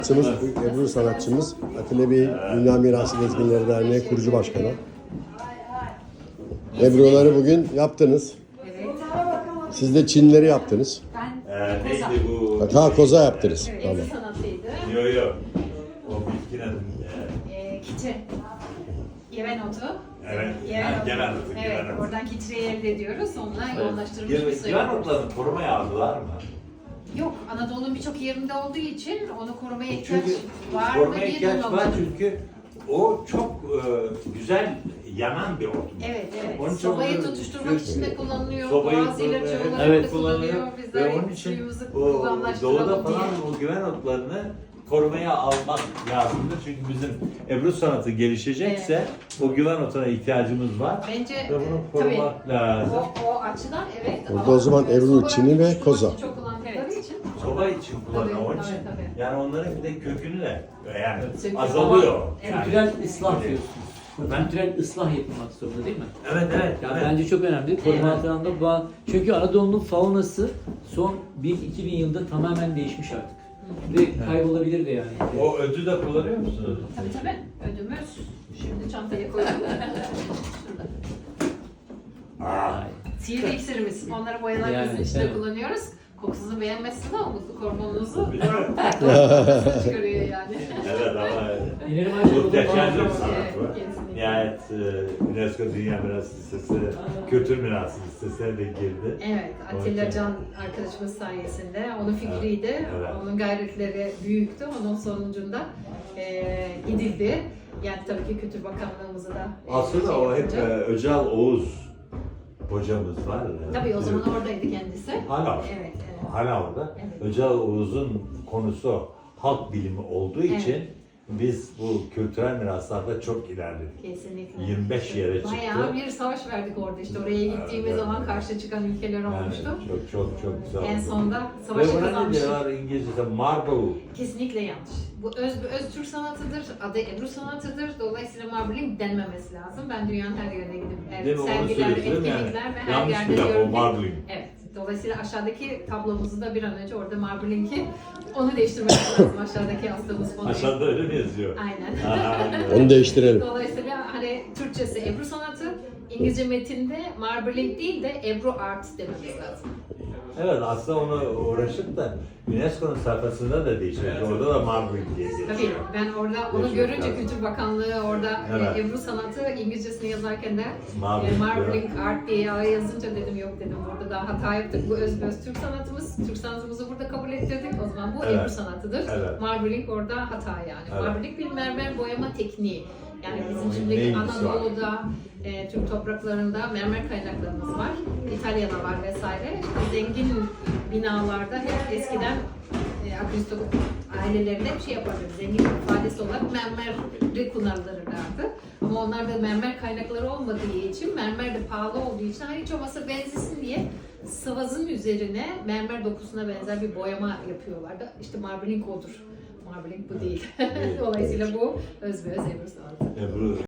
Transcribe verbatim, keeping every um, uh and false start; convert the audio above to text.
Sanatçımız, Ebru sanatçımız, Atilla Bey Dünya Mirası Gezginleri Derneği kurucu başkanı. Ebru'ları bugün yaptınız. Evet. Siz de Çinleri yaptınız. Ben Ee, neydi bu? Ha, koza yaptınız. evet, Tamam. el sanatıydı. Yo yo. O bitkin adı. Ee, kitre. Yeven otu. Evet. Yeven Ha, otu. Yeven otu, Evet, Yeven otu. oradan kitreyi elde ediyoruz. Onunla yoğunlaştırılmış bir suyu. Güven otlarını korumaya aldılar mı? Yok, Anadolu'nun birçok yerinde olduğu için onu korumaya ihtiyaç Çünkü var mı korumaya diye ihtiyaç var duymadım. çünkü o çok e, güzel yanan bir ot. Evet, evet. Onun için Sobayı onu- tutuşturmak için de kullanılıyor. Sobayı Bazı ilaç kullanıyor, olarak evet, da kullanılıyor. kullanılıyor. Ve Bizler onun için suyumuzu o doğuda kullanlaştıralım diye. falan o güven otlarını korumaya almak lazımdır. Çünkü bizim Ebru sanatı gelişecekse o güven otuna ihtiyacımız var. Bence Ve bunu tabii korumak lazım. o, o açıdan evet. Orada ama o zaman Ebru, soba Çini ve tutuşturmak koza. için çok kullandıkları için. Soba için kullanıyor Tabii, onun tabii, için. tabii. Yani onların bir de kökünü de yani Söküyor. azalıyor. Evet. Yani. Kültürel ıslah diyorsunuz. Ben- Kültürel ıslah yapılmak zorunda değil mi? Evet evet. Yani evet. bence çok önemli. Koruma altında bu. Çünkü Anadolu'nun faunası son bin iki bin yılda tamamen değişmiş artık. Ve kaybolabilir de yani. O ödü de kullanıyor musunuz? Tabii tabii. Ödümüz. Şimdi çantaya koydum. Şurada. Aa, Sihirli iksirimiz. Onları boyalarımızın Yani, içinde evet. kullanıyoruz. Kokusunu beğenmezsin ama mutluluk hormonunuzu Değil mi? çıkarıyor yani. evet ama İnerim ayrıca muhteşem bir Evet, sanat bu. kesinlikle. Nihayet e, UNESCO Dünya Mirası Listesi, Kültür Mirası Listesi'ne de girdi. Evet, Onun Atilla için- Can arkadaşımız sayesinde. Onun fikriydi, Evet, evet. onun gayretleri büyüktü. Onun sonucunda e, gidildi. Yani tabii ki Kültür Bakanlığımızı da e, Aslında şey o hep yapınca- e, Öcal Oğuz hocamız var. Tabii o zaman oradaydı kendisi. Hala var. Evet, evet. Hala orada. Evet. Öcal Oğuz'un konusu halk bilimi olduğu Evet. için biz bu kültürel miraslarda çok ilerledik. Kesinlikle. yirmi beş yere çıktı. Bayağı bir savaş verdik orada işte. Oraya gittiğimiz Evet, zaman evet. karşı çıkan ülkeler Yani olmuştu. çok çok çok güzel En oldu. sonunda Ve savaşı buna ne kazanmıştık. diyorlar İngilizce'de marble. Kesinlikle yanlış. Bu öz öz Türk sanatıdır, adı Ebru sanatıdır. Dolayısıyla marbling denmemesi lazım. Ben dünyanın her yerine gidip Değil evet, mi? Onu sergiler, söylüyorsun yani. etkinlikler ve her Yanlış yerde bir laf o gördüm. marbling. Evet. Dolayısıyla aşağıdaki tablomuzu da bir an önce orada marbling'i onu değiştirmek lazım. Aşağıdaki astığımız konuyu. Aşağıda öyle mi yazıyor? Aynen. Aa, Onu değiştirelim. Dolayısıyla hani Türkçesi Ebru sanatı, İngilizce metinde marbling değil de Ebru art dememiz lazım. Evet aslında onu uğraşıp da UNESCO'nun sayfasında da değişmiş. Orada da marbling diye geçiyor. Tabii ben orada onu Geçmek görünce lazım. Kültür Bakanlığı orada Evet. e, Ebru sanatı İngilizcesini yazarken de Marbling e, Marbling Art diye yazınca dedim yok dedim burada daha hata yaptık. Bu öz öz Türk sanatımız. Türk sanatımızı burada kabul ettirdik. O zaman bu Evet. Ebru sanatıdır. Evet. Marbling orada hata yani. Evet. Marbling bir mermer boyama tekniği. Yani bizim Onun şimdi neymiş var? Anadolu'da, e, Türk topraklarında mermer kaynaklarımız var. İtalya'da var vesaire. İşte zengin binalarda hep eskiden e, aristokrat ailelerinde bir şey yapardı. Zengin bir ifadesi olarak mermeri kullanılırlardı. Ama onlarda mermer kaynakları olmadığı için, mermer de pahalı olduğu için hani hiç olmazsa benzesin diye sıvazın üzerine mermer dokusuna benzer bir boyama yapıyorlardı. İşte marbling odur. Marbling bu değil. Değil. Dolayısıyla bu öz ve öz Ebru sanatı. Ebru